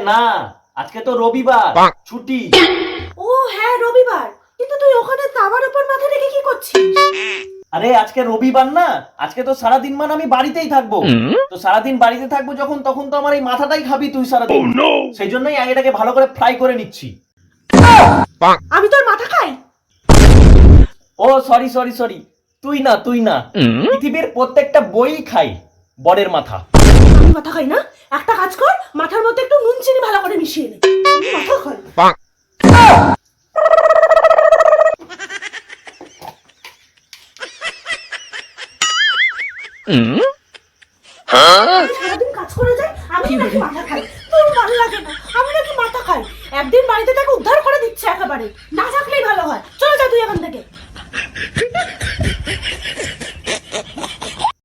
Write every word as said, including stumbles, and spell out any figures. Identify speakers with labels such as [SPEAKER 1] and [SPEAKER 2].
[SPEAKER 1] না, আজকে তো রবিবার, ছুটি।
[SPEAKER 2] ও হ্যাঁ রবিবার, কিন্তু তুই ওখানে তাওয়ার উপর মাথা রেখে কি করছিস?
[SPEAKER 1] আরে আজকে রবিবার না, আজকে তো সারাদিন মানে আমি বাড়িতেই থাকবো। তো সারাদিন বাড়িতে থাকবো যখন, তখন তো আমার এই মাথাটাই খাবি তুই সারাদিন। সেই জন্যই আমি এটাকে ভালো করে ফ্রাই করে নিচ্ছি।
[SPEAKER 2] আমি তোর মাথা খাই?
[SPEAKER 1] ও সরি সরি সরি, তুই না তুই না, পৃথিবীর প্রত্যেকটা বই খাই বরের মাথা।
[SPEAKER 2] আমি মাথা খাই না? একটা কাজ কর, মাথার মধ্যে একটু নুন চিনি ভালো করে মিশিয়ে নে, আমি মাথা খাই। আমি সারাদিন কাজ করে যাই, আমি নাকি মাথা খাই? তোর ভালো লাগে না? আমি নাকি মাথা খাই? একদিন বাড়িতে তাকে উদ্ধার করে দিচ্ছে একেবারে, না থাকলেই ভালো হয়। চলে যা তুই এখান থেকে।